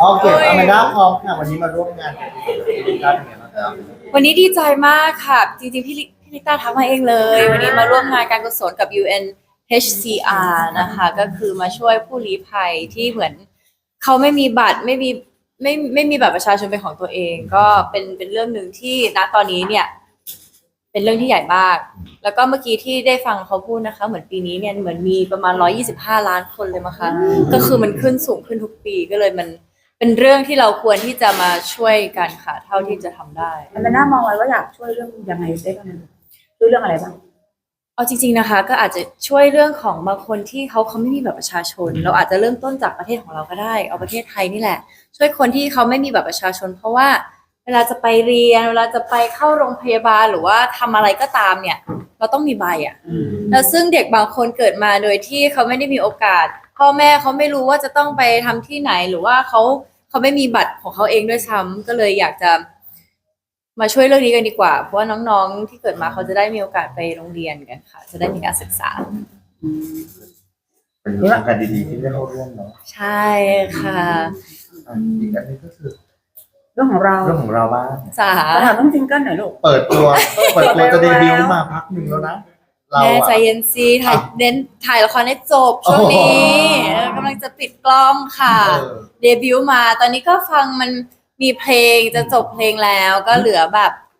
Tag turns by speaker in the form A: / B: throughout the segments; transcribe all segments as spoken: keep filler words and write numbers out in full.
A: โอเคอเมด้าพร้อมค่ะวันนี้มาร่วมงานกับพี่ลิต้าเป็นไงบ้างครับ
B: วันนี้ดีใจมากค่ะจริงๆพี่ลิพี่ลิต้าทักมาเองเลยวันนี้มาร่วมงานการกุศลกับ ยู เอ็น เอช ซี อาร์ นะคะก็คือมาช่วยผู้ลี้ภัยที่เหมือนเขาไม่มีบัตรไม่มีไม่ไม่มีบัตรประชาชนเป็นของตัวเอง ก็เป็นเป็นเรื่องหนึ่งที่ณตอนนี้เนี่ยเป็นเรื่องที่ใหญ่มากแล้วก็เมื่อกี้ที่ได้ฟังเขาพูดนะคะเหมือนปีนี้เนี่ยเหมือนมีประมาณหนึ่งร้อยยี่สิบห้าล้านคนเลยมั้งคะก็คือมันขึ้นสูงขึ้นทุกปีก็เลยมันเป็นเรื่องที่เราควรที่จะมาช่วยกันค่ะเท่าที่จะทำได้
C: อันนั้นน่ามองไว้ว่าอยากช่วยเรื่องยังไงได้บ้างช่วยเรื่องอะไรบ้าง
B: เอาจริงๆนะคะก็อาจจะช่วยเรื่องของบางคนที่เขาเขาไม่มีบัตรประชาชนเราอาจจะเริ่มต้นจากประเทศของเราก็ได้เอาประเทศไทยนี่แหละช่วยคนที่เขาไม่มีบัตรประชาชนเพราะว่าเวลาจะไปเรียนเวลาจะไปเข้าโรงพยาบาลหรือว่าทำอะไรก็ตามเนี่ยเราต้องมีใบอ่ะแล้วซึ่งเด็กบางคนเกิดมาโดยที่เขาไม่ได้มีโอกาสพ่อแม่เขาไม่รู้ว่าจะต้องไปทำที่ไหนหรือว่าเขาเขาไม่มีบัตรของเขาเองด้วยซ้ำก็เลยอยากจะมาช่วยเรื่องนี้กันดีกว่าเพราะว่าน้องๆที่เกิดมาเขาจะได้มีโอกาสไปโรงเรียนกันค่ะจะได้มีการศึกษา
A: เป็นโครงการดีๆที่ได้เข้าร่วมเนาะ
B: ใช่ค่ะ
A: อีกอันนี้ก็คือ
C: เรื่องของเรา
A: เรื่องของเราบ้าง
B: จ๋า
C: ถามต้องซิงเกิลหน่อยลูก
A: เปิดตัวเปิดตัวจะเดบิวต์มาพักหนึ่งแล้วนะเรา
B: แม่ใจเย็นซีถ่ายเน้นถ่ายละครให้จบช่วงนี้กำลังจะปิดกล้องค่ะเดบิวต์มาตอนนี้ก็ฟังมันมีเพลงจะจบเพลงแล้วก็เหลือแบบ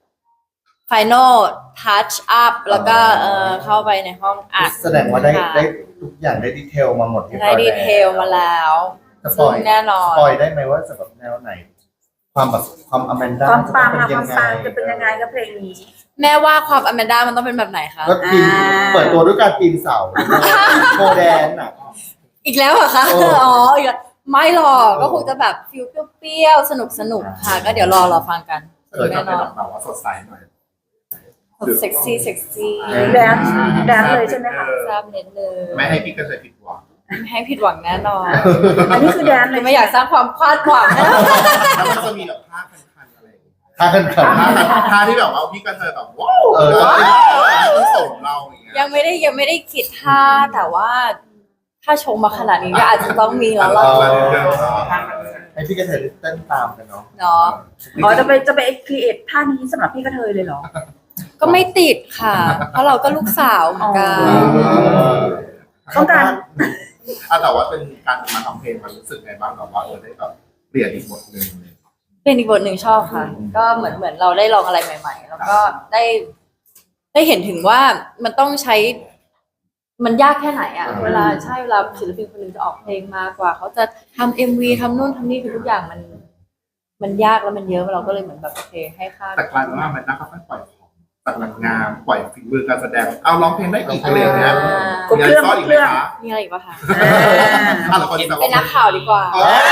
B: final touch up แล้วก็เออเข้าไปในห้องอัด
A: แสดงว่าได้ได้ทุกอย่างได้ดีเทลมาหมด
B: ได้ดีเทลมาแล้ว
A: ซึ่ง
B: แน่นอน
A: สปอยได้ไหมว่าจะแบบแนวไหนความแบบความอแมนด้า
C: ความปังอะ
A: จะ
C: ความปังจะเป็นยังไงกับเพลงนี้
B: แม่ว่าความอแมนด้ามันต้องเป็นแบบไหนคะ
A: ก็ปีนเปิดตัวด้วยการปีนเสาโคแดนอ่ะ
B: อีกแล้วเหรอคะอ๋ออีกแล้วไม่หรอกก็คงจะแบบฟิลเปรี้ยวๆสนุกสนุกค่ะก็เดี๋ยวรอรอฟังกัน
D: แน่นอนแบบว่าสดใสหน่อย
B: เซ็กซี่เซ็กซี่
C: แดนแดนเลยใช่ไหมคะ
B: ทราบเน้นเลย
D: ไม่ให้พี่ก็เคยผิดหวัง
B: ไม่ให้ผิดหวังแน่นอน
C: อันนี้คือแดนเลย
B: ไม่อยากสร้างความคาดหวังนะ
D: แล้วมันจะมีแบบท่าคันๆอะไร
A: ท่าคัน
D: ๆท่าที่แบบว่าพี่ก็เคยแบบว้าวเออส่งเราอย่างเงี้ย
B: ยังไม่ได้ยังไม่ได้คิดท่าแต่ว่าถ้าชงมาขนาดนี้ก็อาจจะต้องมีแล้วล่ะ
A: ให้พี่กระเทยเต้นตามกันเนาะ
B: เนาะ
C: อ๋อจะไปจะไปครีเอทท่านี้สำหรับพี่กระเทยเลยเหรอ
B: ก็ไม่ติดค่ะเพราะเราก็ลูกสาวเหมือนกัน
C: ต้องการ
D: แต่ว่าเป็นการมาทำเพลงมันรู้สึกไงบ้างแบบว่าเออได้แบบเปลี่ยนอีกบทหนึ่ง
B: เปลี่ยนอีกบทหนึ่งชอบค่ะก็เหมือนเหมือนเราได้ลองอะไรใหม่ๆแล้วก็ได้ได้เห็นถึงว่ามันต้องใช้มันยากแค่ไหนอ่ะเวลาใช่เวลาศิลปินคนหนึ่งจะออกเพลงมากกว่าเขาจะทำเอ็มวีทำนู่นทำนี่คือทุกอย่างมันมันยากแล้วมันเยอะเราก็เลยเหมือนแบบโอเคให้ค่า
D: แต่กลายเป็นว่ามันนะครับปล่อยของตัดงานปล่อยฝีมือการแสดงเอาร้องเพลงได้อีกเลยนะ
C: มีอะไรซ่อนอีกไหม
D: คะ
B: มีอะไรอีกป่ะคะ
D: เป็น
B: นักข่าวดีกว่า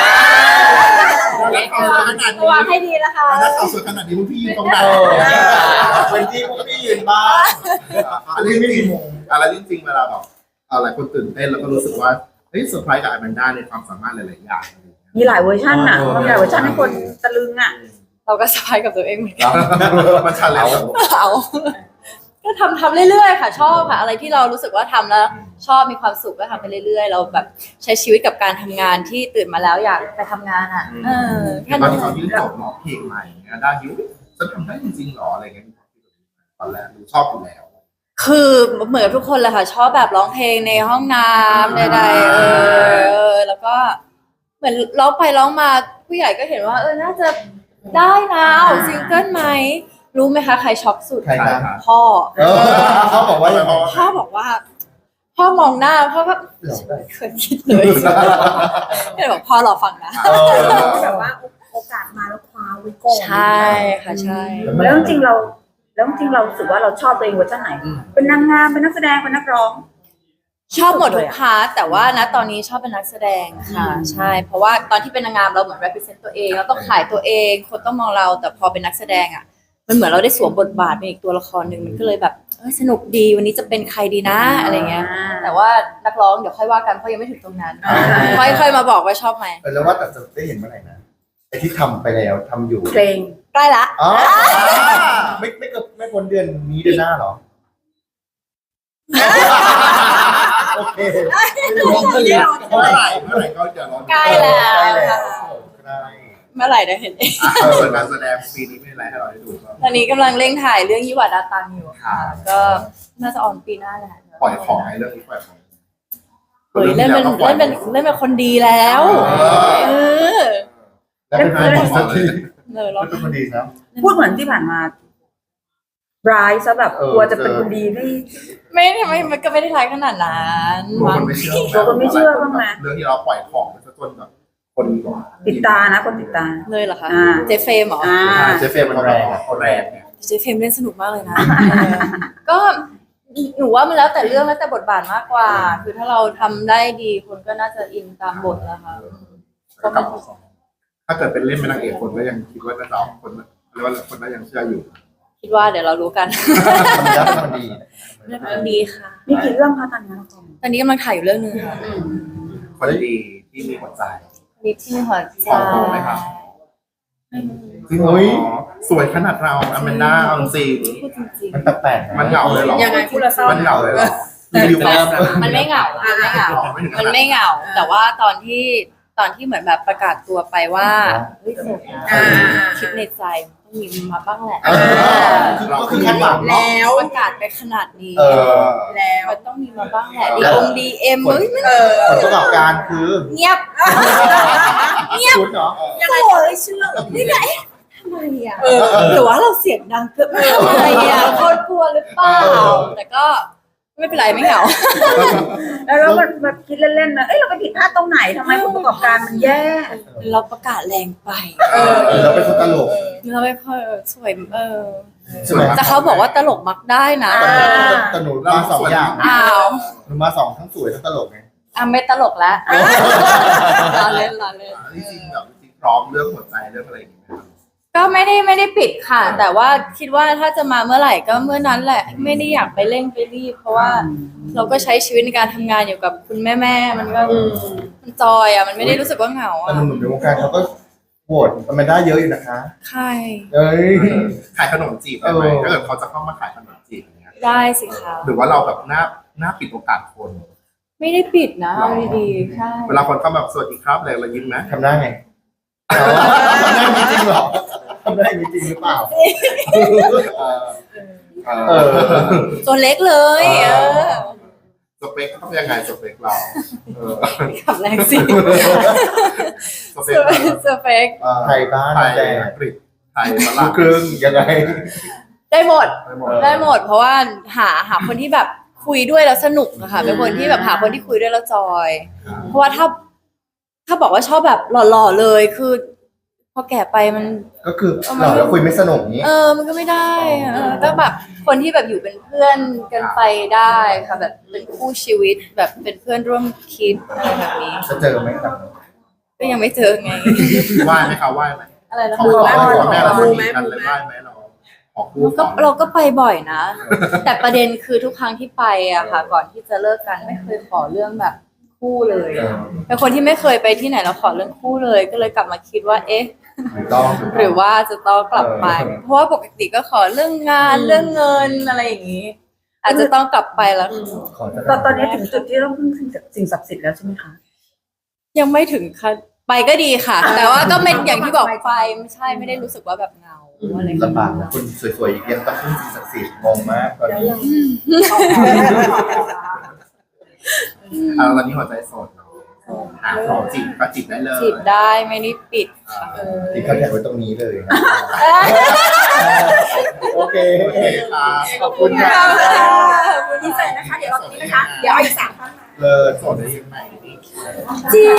B: ระวังให้ดีนะคะ
D: นักข่าวสวยขนาดนี้พี่ยืนตรงไหน
A: เป็นที่พวกพี่ยืนบ้าง
D: อะไรจริงอะไรจริงเวลาแบบอะไรคนตื่นเต้นแล้วก็รู้สึกว่าเฮ้ยเซอร์ไพรส์กับอแมนด้าในความสามารถหลายๆอย่าง
C: มีหลายเวอร์ชันอ่ะมีหลายเวอร์ชันให้คนตะลึงอ่ะ
B: เราก็สบายกับตัวเองเหมือนกัน
D: มันชันแล้ว
B: เอาก็ทำทำเรื่อยๆค่ะชอบค่ะอะไรที่เรารู้สึกว่าทำแล้วชอบมีความสุขก็ทำไปเรื่อยๆเราแบบใช้ชีวิตกับการทำงานที่ตื่นมาแล้วอยากไปทำงานอ่ะเออ
D: แค่นั้นตอนที่จบหมอเพลงใหม่ด้าฮิวฉันทำได้จริงๆหรออะไรเงี้ยตอนแรกชอบอยู่แล้ว
B: คือเหมือนทุกคนเลยค่ะชอบแบบร้องเพลงในห้องน้ำใดๆเออแล้วก็เหมือนร้องไปร้องมาผู้ใหญ่ก็เห็นว่าเออน่าจะได้นะเอาซิงเกิลไหมรู้ไหมคะใครช็อกสุดพ่อ
A: เขาบอกว่า
B: พ่อบอกว่าพ่อมองหน้าพ่อก็เคยคิดเลยก็เลยบอกพ่อรอฟังนะ
C: แบบว่าโอกาสมาแล้วคว้าไว้ก่อน
B: ใช่ค่ะใช่
C: แล้วจริงเราแล้วจริงเราสึกว่าเราชอบตัวเองเวอร์ชันไหนเป็นนางงามเป็นนักแสดงเป็นนักร้อง
B: ชอบหมดทุกพาร์ทแต่ว่านะตอนนี้ชอบเป็นนักแสดงค่ะใช่เพราะว่าตอนที่เป็นนางงามเราเหมือน represent ตัวเองเราต้องขายตัวเองคนต้องมองเราแต่พอเป็นนักแสดงอ่ะมันเหมือนเราได้สวมบทบาทเป็นอีกตัวละครหนึ่งมันก็เลยแบบเออสนุกดีวันนี้จะเป็นใครดีนะอะไรเงี้ยแต่ว่านักร้องเดี๋ยวค่อยว่ากันเพราะยังไม่ถึงตรงนั้นค่อยๆมาบอกว่าชอบไหม
A: แล้วว่าแต่จะได้เห็นเมื่อไหร่นะไอที่ทำไปแล้วทำอยู่
C: เพลง
B: ใกล้ละ
A: อ๋อไม่ไม่เกินไม่พ้นเดือนนี้เดือนหน้าหรอโอเค
D: เมื่อไหร่เมื่อไหร่ก็จะร้อง
B: ใกล้แล้วค่ะเมื่อไหร่ได้เห็นเอง
D: อ่ะส่วนการแสดงปีนี้ไม่อะไรให้เราได้ดูบ้าง
B: ตอนนี้กำลังเร่งถ่ายเรื่องยิวาดาตังอยู่ค่ะ
D: ครับ
B: ก็น่าจะออนปีหน้าแหละ
D: ปล่อยของให้เรื่องนี้ปล่อยของ
B: เฮ้ยเล่นเป็นเล่นเป็นเล่นเป็นคนดีแล้วเออ
A: แล้วเป็นคนดีสักที
B: เออเรา
A: แล้วเป็นคนดีครับ
C: พูดเหมือนที่ผ่านมาร้ายซะแบบ
A: เออ
C: กลัวจะเป็นคนดีไม่
B: ไม่ทำไมมันก็ไม่ได้ท้ายขนาดนั้น
D: กลัว
B: มั้
D: ค
B: ง
D: นไม่เชื่อ
C: กลัวคนไม่เชื่อบ้างไหม
D: เรื่องที่เราปล่อยของไปซะจนแบบคนแบบ
C: ติดตานะคนติดตา
B: เลยเหรอคะ
C: อ่า
B: เจฟเฟมเหรอ
C: อ่า
A: เจฟเฟย์มันแรงอะ
D: เขาแรงเนี่ย
B: เจฟเฟมเล่นสนุกมากเลยนะเออก็หนูว่ามันแล้วแต่เรื่องแล้วแต่บทบาทมากกว่า คือถ้าเราทำได้ดีคนก็น่าจะอินตามบทแล้วค่ะ
D: ก็กลับมาถ้าเกิดเป็นเล่นเป็นนางเอกคนก็ยังคิดว่าน่าจะเอาคนเรียกว่าคนน่ายังเชื่ออยู่
B: คิดว่าเดี๋ยวเรารู้กัน
A: ทำแล้วเป็นคนดี
B: เรื่องดีค่ะ
C: มีกี่เรื่องคะตอนนี้ละคร
B: ตอนนี้กำลังถ่ายอยู่เรื่องหนึงค่ะ
D: คนดีที่มีหัวใจ
B: นิดที่หัวใจ
D: ขอไหมครับ จริงเหรอสวยขนาดเราอแมนด้าเอาจริง
B: พูดจริง
A: มันแปลกๆะ
D: มันเหงาเลยเหรอ
C: ยังไงพูดและเศร้า
D: มันเหงาเลยเหรอรีวิวความรัก
B: ๆมันไม่เหงามันไม่เหงา มันไม่เหงา แต่ว่าตอนที่ตอนที่เหมือนแบบประกาศตัวไปว่าเฮ้ยโสดนะ
C: อ่า
B: คิดในใจต้องมีมาบ้างแหละ
A: เออคือก็คือคาดหวังเนาะ
B: แล้วประกาศไปขนาดนี้
A: เออ
C: แล้ว
B: มันต้องมีมาบ้างแหละดีองดีเอ็มเฮ้ยมัน
A: ผลประกอบการคือ
B: เงียบ
A: ชุดเนาะ
B: โสดเลยเชื่อนี่ไงทำไมอ่ะหรือว่าเราเสียงดังเกินไปทำไมอ่ะคนกลัวหรือเปล่า แต่ก็ไม่เป็นไรไม่เหงา
C: แล้วเราแบบแบบคิดเล่นๆนะเอ้ยเราไปผิดพลาดตรงไหนทำไมผลประกอบการมันแย่
B: เราประกาศแรงไป
A: เออเราเป็นคนตลก
B: เราไม่ค่อยสวยเออ
A: ใช่ไหม
B: แต่เขาบอกว่าตลกมักได้นะ
C: อ่า
A: แต่หนูมาสองอย่าง
B: อ้าว
A: หนูมาสองทั้งสวยทั้งตลกไง
B: อ่ะไม่ตลกแล้วรอเล่นรอเล่น
D: จริงๆแบบจริงๆพร้อมเรื่องหัวใจเรื่องอะไรอย่างเงี้ย
B: ก็ไม่ได้ไม่ได้ปิดค่ะ แต่ว่าคิดว่าถ้าจะมาเมื่อไหร่ก็เมื่อนั้นแหละ ไม่ได้อยากไปเร่งไปรีบ เพราะว่าเราก็ใช้ชีวิตในการทำงานอยู่กับคุณแม่แม่ๆมันก็มันจอยอ่ะมันไม่ได้รู้สึกว่าเหงา
A: แต่
B: อ่ะ
A: หนุ่มๆในวงการเขาก็โหวตอแมนด้าเยอะอยู่นะคะ
B: ใช่
A: เอ้ย
D: ขายขนมจีบได้ไหม
A: เออ
D: ถ้าเกิดเขาจะเข้ามาขายขนมจีบอย่างเงี้ย
B: ได้สิคะ
D: หรือว่าเราแบบหน้าหน้าปิดโอกาสคน
B: ไม่ได้ปิดนะเอาดีๆใช่
D: เวลาคนเข้าแบบสวัสดีครับอะไรเรายิ้มไหม
A: ทำได้ไงทำได้จริงเหรอทำได้จริงหรือเปล่า
D: เอ
A: เอ
D: อ
A: อ
B: ตัวเล็กเลยเออ
D: สเปคต้องยังไงสเปคเราเออ
B: ขับแรงสิ
D: สเปคเรา
B: สเปค
A: ไทยบ้าน
D: ไทย
A: แดง
D: อังกฤษไทยฝ
A: ลู
D: รั่
A: ก
D: ง
A: ครึ่งยังไง
B: ได้หมด
D: ได้หมด
B: ได้หมด เพราะว่าหาหาคนที่แบบคุยด้วยแล้วสนุกอะค่ะเป็นคนที่แบบหาคนที่คุยด้วยแล้วจอย เพราะว่าถ้า ถ้าบอกว่าชอบแบบหล่อๆเลยคือ พอแก่ไปมัน
A: ก็คือเราแล้วคุยไม่สนุกนี้
B: เออ มันก็ไม่ได้อะเออก็แบบคนที่แบบอยู่เป็นเพื่อนกันไปได้ค่ะ แบบเป็นคู่ชีวิตแบบเป็นเพื่อนร่วมคิดอะไรแบบนี้
A: จะเจอไหมครับ
B: ก็ยังไม่เจอไง
D: ไหว้ไหมคะไหว้ไหม
B: อะไรนะ
D: ขอ
B: คะ
D: ขอขอแม่เราสนิทกันเลยไหว้ไหมเราขอคู่
B: ก็
D: ก่อน
B: เราก็ไปบ่อยนะ แต่ประเด็นคือทุกครั้งที่ไปอะค่ะ ก่อนที่จะเลิกกันไม่เคยขอเรื่องแบบคู่เลย
A: เออ
B: เป็นคนที่ไม่เคยไปที่ไหนแล้วขอเรื่องคู่เลย ก็เลยกลับมาคิดว่า เอ๊ะ
A: ถูกต้อง
B: หรือว่าจะต้องกลับไป
A: เออ
B: เพราะว่าปกติก็ขอเรื่องงานเรื่องเงินอะไรอย่างนี้ อาจจะต้องกลับไปแล้ว
A: ขอจะ
C: ตอนตอนนี้ถึงจุดที่ต้องพึ่งสิ่งศักดิ์สิทธิ์แล้วใช่ไหมคะ
B: ยังไม่ถึงขั้นไปก็ดีค่ะ แต่ว่าก็เป็นอย่างที่บอกไปไม่ใช่ไม่ได้รู้สึกว่าแบบเหงาอะไรอย่างเงี้ย
A: ลำบากนะคุณสวยๆยังต้องพึ่งสิ่งศักดิ์สิทธิ์งงมากตอนนี้
D: อ่าตอนนี้หัวใจโสดเนาะหาของจีบก็จีบได้เลย
B: จีบได้ไม่ได้ปิดค่ะ
A: ที่เขาแท็กไว้ตรงนี้เลยนะโอเค
D: โอเคค่ะ
A: ขอบคุณค่ะ
C: ดีใจนะคะ เดี๋ยวเอาตรงนี้นะคะ เดี๋ยวเอาอีกสามท่าน
A: เลิศ
D: โสดได้ยังไง
B: จริง